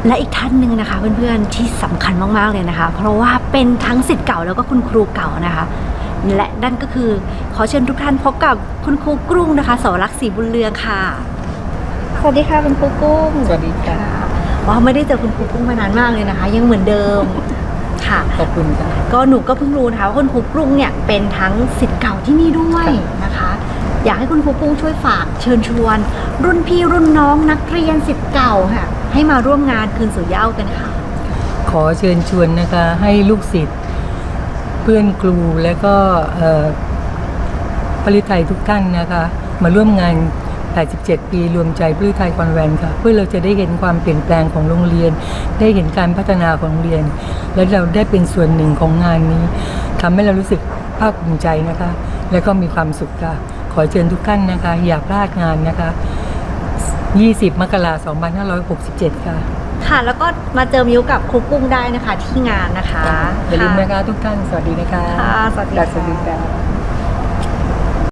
และอีกท่านหนึ่งนะคะเพื่อนๆที่สำคัญมากๆเลยนะคะ เพราะว่าเป็นทั้งศิษย์เก่าแล้วก็คุณครูเก่านะคะและนั่นก็คือขอเชิญทุกท่านพบกับคุณครูกรุ้งนะคะสวรักษ์ศรีบุญเรืองค่ะสวัสดีค่ะคุณครูกุ้งสวัสดีค่ะว่าไม่ได้เจอคุณครูกุ้งมานานมากเลยนะคะ ยังเหมือนเดิมค่ะขอบคุณค่ะก็หนูก็เพิ่งรู้นะคะว่าคุณครูกรุ้งเนี่ยเป็นทั้งศิษย์เก่าที่นี่ด้วยนะคะ อยากให้คุณครูกุ้งช่วยฝากเชิญชวน รุ่นพี่รุ่นน้องนักเรียนศิษย์เก่าค่ะให้มาร่วมงานคืนสู่เหย้ากันค่ะขอเชิญชวนนะคะให้ลูกศิษย์เพื่อนครูและก็ปริไทยทุกท่านนะคะ มาร่วมงาน 87 ปีรวมใจปริไทยคอนแวนต์ค่ะ เพื่อเราจะได้เห็นความเปลี่ยนแปลงของโรงเรียน ได้เห็นการพัฒนาของโรงเรียน และเราได้เป็นส่วนหนึ่งของงานนี้ทำให้เรารู้สึกภาคภูมิใจนะคะ และก็มีความสุขค่ะ ขอเชิญทุกท่านนะคะ อย่าพลาดงานนะคะ 20 มกราคม 2567 ค่ะค่ะ แล้วก็มาเจอมิวกับครูกุ้งได้นะคะที่งานนะคะอย่าลืมนะคะทุกท่าน สวัสดีนะคะค่ะสวัสดีสวัสดีค่ะค่ะ